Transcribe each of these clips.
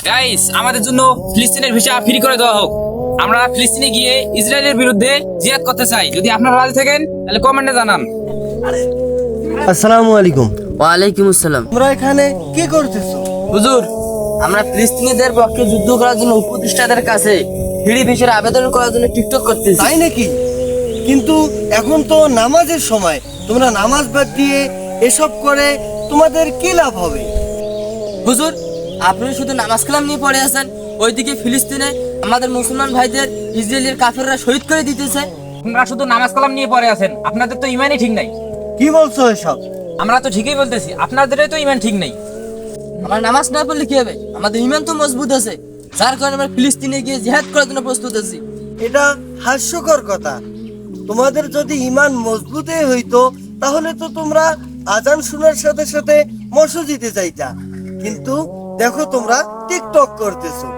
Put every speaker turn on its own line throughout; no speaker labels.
Guys, আমাদের জন্য ফিলিস্তিনের ভিসা ফ্রি করে দেওয়া হোক। আমরা ফিলিস্তিনে গিয়ে ইসরায়েলের বিরুদ্ধে জিহাদ করতে চাই। যদি আপনারা রাজি থাকেন তাহলে কমেন্টে জানান।
আসসালামু আলাইকুম।
ওয়ালাইকুম আসসালাম।
তোমরা এখানে কি করতেছো?
হুজুর, আমরা ফিলিস্তিনিদের পক্ষে যুদ্ধ করার জন্য উপদেষ্টাদের কাছে ফ্রি ভিসার আবেদন করার জন্য টিকটক করতেছি।
তাই নাকি? কিন্তু এখন তো নামাজের সময়, তোমরা নামাজ বাদ দিয়ে এসব করে তোমাদের কি লাভ হবে?
হুজুর, আপনি শুধু নামাজ কালাম নিয়ে পড়ে আছেন, ওইদিকে ফিলিস্তিনে আমাদের মুসলমান ভাইদের ইসরায়েলের কাফেররা শহীদ করে দিতেছে।
আপনারা শুধু নামাজ কালাম নিয়ে পড়ে আছেন, আপনাদের তো ইমানই ঠিক নাই।
কি বলছো এসব?
আমরা তো ঠিকই বলতেছি, আপনাদেরই তো ইমান ঠিক নেই।
আমরা নামাজ না পড়লে কি হবে? আমাদের ইমান তো মজবুত আছে, যার কারণে আমরা ফিলিস্তিনে গিয়ে জিহাদ করার জন্য প্রস্তুত আছি।
এটা হাস্যকর কথা। তোমাদের যদি ঈমান মজবুতই হইতো তাহলে তো তোমরা আজান শোনার সাথে সাথে মসজিদে যাইতা। কিন্তু দেখো তোমরা টিকটক করতেছো।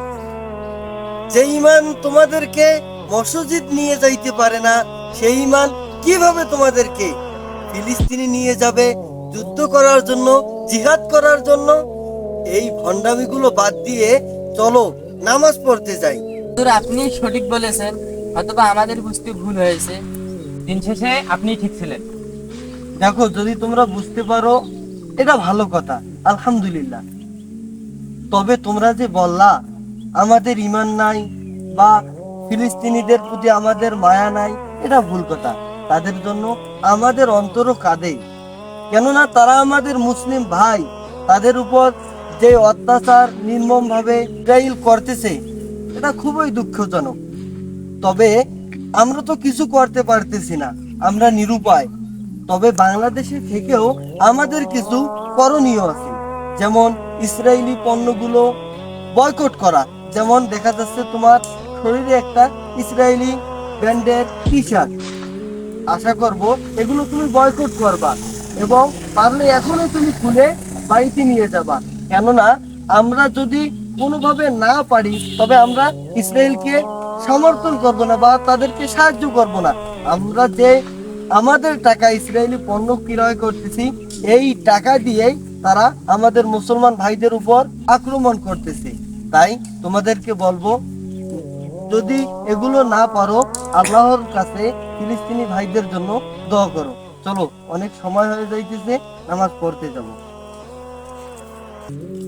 যে ঈমান তোমাদেরকে মসজিদ নিয়ে যাইতে পারে না, সেই ঈমান কিভাবে তোমাদেরকে ফিলিস্তিনে নিয়ে যাবে যুদ্ধ করার জন্য, জিহাদ করার জন্য? এই ভণ্ডামিগুলো বাদ দিয়ে চলো নামাজ পড়তে যাই।
হুজুর, আপনি সঠিক বলেছেন, অথবা আমাদের বুঝতে ভুল হয়েছে।
দিন শেষে আপনি ঠিক ছিলেন।
দেখো, যদি তোমরা বুঝতে পারো এটা ভালো কথা, আলহামদুলিল্লাহ। তবে তোমরা যে বললা আমাদের ঈমান নাই বা ফিলিস্তিনিদের প্রতি আমাদের মায়া নাই, এটা ভুল কথা। তাদের জন্য আমাদের অন্তরও কাঁদে, কেননা তারা আমাদের মুসলিম ভাই। তাদের উপর যে অত্যাচার নির্মমভাবে ইসরাইল করতেছে, এটা খুবই দুঃখজনক। তবে আমরা তো কিছু করতে পারতেছি না, আমরা নিরুপায়। তবে বাংলাদেশে থেকেও আমাদের কিছু করণীয় আছে, যেমন ইসরায়েলি পণ্যগুলো বয়কট করা। যেমন দেখা যাচ্ছে তোমার শরীরে একটা ইসরায়েলি ব্র্যান্ডের টি শার্ট, আশা করব এগুলো তুমি বয়কট করবা এবং পারলে এখনই তুমি খুলে বাড়িতে নিয়ে যাবা। কেননা আমরা যদি কোনোভাবে না পারি তবে আমরা ইসরায়েলকে সমর্থন করব না বা তাদেরকে সাহায্য করব না। আমরা যে আমাদের টাকা ইসরায়েলি পণ্য ক্রয় করতেছি, এই টাকা দিয়েই তারা আমাদের মুসলমান ভাইদের উপর আক্রমণ করতেছে। তাই তোমাদেরকে বলবো, যদি এগুলো না পারো আল্লাহর কাছে ফিলিস্তিনি ভাইদের জন্য দোয়া করো। চলো, অনেক সময় হয়ে যাইতেছে, নামাজ পড়তে যাবো।